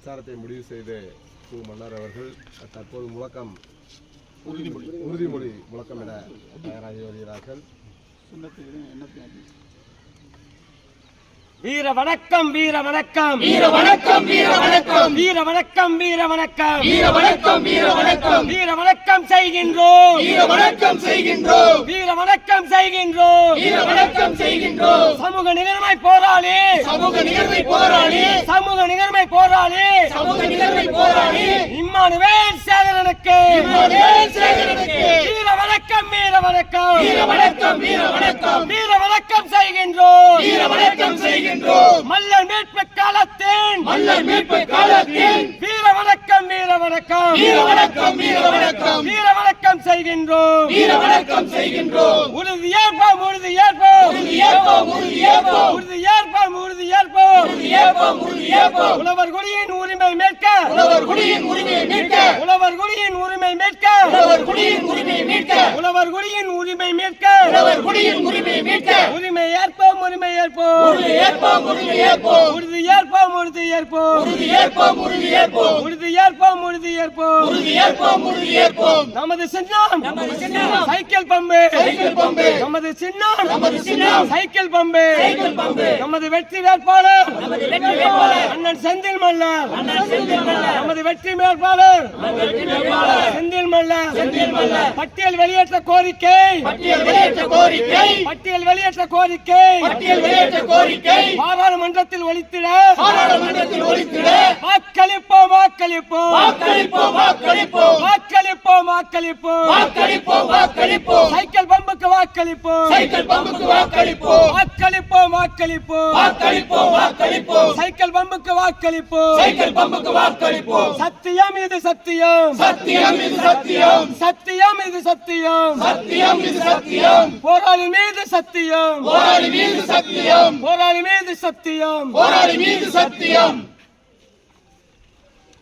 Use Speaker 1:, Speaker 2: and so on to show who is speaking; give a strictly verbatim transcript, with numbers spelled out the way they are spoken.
Speaker 1: பிரச்சாரத்தை முடிவு செய்து கு மன்னர் அவர்கள் தற்போது முழக்கம் உறுதிமொழி உறுதிமொழி முழக்கம் என தயாராகி வருகிறார்கள்.
Speaker 2: வீர வணக்கம் வீர வணக்கம்
Speaker 3: வீர வணக்கம் வீர வணக்கம்
Speaker 2: வீர வணக்கம் வீர வணக்கம்
Speaker 3: வீர வணக்கம் வீர வணக்கம்
Speaker 2: வீர வணக்கம் செய்கின்றோம்
Speaker 3: வீர வணக்கம் செய்கின்றோம்
Speaker 2: வீர வணக்கம் செய்கின்றோம்
Speaker 3: வீர வணக்கம் செய்கின்றோம்
Speaker 2: சமூக நிகழ்மை போராளி
Speaker 3: சமூக நிகழ்வை போராளி
Speaker 2: சமூக நிகழ்மை போராளி
Speaker 3: சமூக நிகழ்வை போராளி
Speaker 2: இம்மானுவேல் சேகரனுக்கு
Speaker 3: இம்மானுவேல் சேகரனுக்கு
Speaker 2: வீர வணக்கம் வீர வணக்கம்
Speaker 3: வீர வணக்கம் வீர வணக்கம்
Speaker 2: வீர வணக்கம் செய்கின்றோம்
Speaker 3: வீர வணக்கம் செய்கின்றோம்
Speaker 2: மல்லர் மீட்பு காலத்தின்
Speaker 3: மல்லர் மீட்பு காலத்தில்
Speaker 2: வீர வணக்கம் வீர வணக்கம்
Speaker 3: வீர வணக்கம் வீர வணக்கம்
Speaker 2: வீர வணக்கம் செய்கின்றோம்
Speaker 3: வீர வணக்கம் செய்கின்றோம்
Speaker 2: உறுதி ஏற்போம் உறுதி ஏற்போம்
Speaker 3: உறுதி ஏற்போம் உறுதி ஏற்போம்
Speaker 2: உறுதி ஏற்போம் உறுதி ஏற்போம்
Speaker 3: உறுதி ஏற்போம் உறுதி ஏற்போம்
Speaker 2: உழவர் குடியின் உரிமை மீட்க
Speaker 3: உழவர் குடியின் உரிமையை மீட்க
Speaker 2: உழவர் குடியின் உரிமை மீட்க
Speaker 3: உழவர் குடியின் உரிமையை மீட்க
Speaker 2: உழவர் குடியின் உரிமை மீட்க
Speaker 3: உழவர் குடியின் உரிமையை மீட்க
Speaker 2: உரிமை ஏற்போம் உரிமை ஏற்போம்
Speaker 3: உறுதி ஏற்போம் உறுதி ஏற்போம்
Speaker 2: உறுதி ஏற்போம் உறுதி ஏற்போம்
Speaker 3: உறுதி ஏற்போம் உறுதி ஏற்போம்
Speaker 2: உறுதி ஏற்போம் உறுதி ஏற்போம்
Speaker 3: உறுதி ஏற்போம் உறுதி ஏற்போம்
Speaker 2: நமது சின்னம்
Speaker 3: நமது சின்னம்
Speaker 2: சைக்கிள் பம்பு
Speaker 3: சைக்கிள் பம்பு
Speaker 2: நமது சின்னம்
Speaker 3: நமது சின்னம்
Speaker 2: சைக்கிள் பம்பு
Speaker 3: சைக்கிள் பம்பு
Speaker 2: நமது வெற்றி வேட்பாளர்
Speaker 3: நமது வெற்றி வேட்பாளர்
Speaker 2: அண்ணன் செந்தில் மல்லர்
Speaker 3: அண்ணன் செந்தில் மல்லர்
Speaker 2: நமது வெற்றி வேட்பாளர்
Speaker 3: நமது வெற்றி வேட்பாளர்
Speaker 2: செந்தில் மல்லர்
Speaker 3: செந்தில் மல்லர்
Speaker 2: பட்டியல் வெளியேற்ற கோரிக்கை
Speaker 3: பட்டியல் வெளியேற்ற கோரிக்கை
Speaker 2: பட்டியல் வெளியேற்ற கோரிக்கை
Speaker 3: பட்டியல் வெளியேற்ற கோரிக்கை
Speaker 2: பாராளுமன்றத்தில் ஒலித்திட
Speaker 3: பாராளுமன்றத்தில் ஒலித்திட
Speaker 2: வாக்களிப்போம் வாக்களிப்போம்
Speaker 3: வாக்களிப்போம் வாக்களிப்போம்
Speaker 2: வாக்களிப்போம் வாக்களிப்போம்
Speaker 3: வாக்களிப்போம் வாக்களிப்போம்
Speaker 2: சைக்கிள் பம்புக்கு வாக்களிப்போம்
Speaker 3: சைக்கிள் பம்புக்கு வாக்களிப்போம்
Speaker 2: வாக்களிப்போம் வாக்களிப்போம்
Speaker 3: வாக்களிப்போம் வாக்களிப்போம்
Speaker 2: சைக்கிள் பம்புக்கு வாக்களிப்போம்
Speaker 3: சைக்கிள் பம்புக்கு வாக்களிப்போம்
Speaker 2: சத்தியம் இது சத்தியம்
Speaker 3: சத்தியம் இது சத்தியம்
Speaker 2: சத்தியம் இது சத்தியம்
Speaker 3: சத்தியம் இது சத்தியம்
Speaker 2: போராளி மீது சத்தியம்
Speaker 3: போராளி மீது சத்தியம்
Speaker 2: போராளி மீது சத்தியம்
Speaker 3: போராளி மீது சத்தியம்